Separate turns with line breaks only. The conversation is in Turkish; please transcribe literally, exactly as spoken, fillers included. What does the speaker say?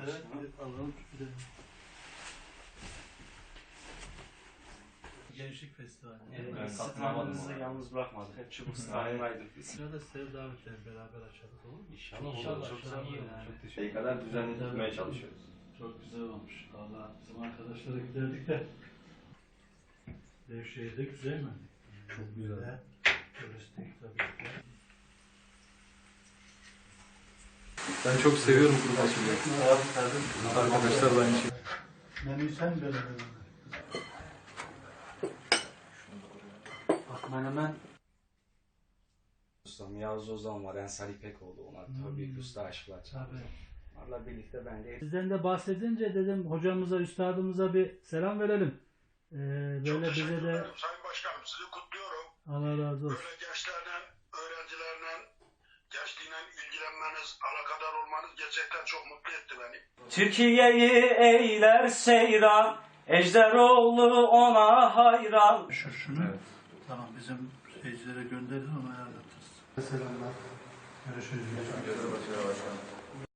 Evet, alalım. Gençlik Festivali.
Evet,
Ben
sizi
katılamadım
tanrınızı
ona.
yalnız bırakmadık. Hep çubuk sahindaydık biz.
Şurada size davet edelim, beraber açalım, olur mu?
İnşallah,
İnşallah,
olur. Çok
çok
sağ olun.
iyi olur.
Yani.
Çok teşekkür kadar düzenli tutmaya çalışıyoruz.
Çok güzel olmuş. Valla bizim arkadaşlara giderdik de. Devşehir de güzel mi?
Çok güzel.
Turistik tabii ki.
Ben çok seviyorum kuru fasulyeyi. Arkadaşlar da aynı şey.
Menü sen böyle
Bak menemen. Ustam Yavuz Ozan var, Ensar İpekoğlu. Onlar tabii
Hmm.
ki usta aşıklar.
Tabii.
Onlarla birlikte bence
Sizden de bahsedince dedim hocamıza, üstadımıza bir selam verelim. Ee, böyle bize
Teşekkür
de
ederim Sayın Başkanım. Sizi kutluyorum.
Allah razı olsun.
Böyle gençlerle, öğrencilerle, gençliğine ilgilenmeniz, alakadar olmanız gerçekten çok mutlu etti beni.
Türkiye'yi eyler seyran, Ejderoğlu ona hayran.
Şu şunu. Tamam, bizim seyircilere gönderelim ama ayarlatırız. Selamlar. Görüşürüz.
Başkanım.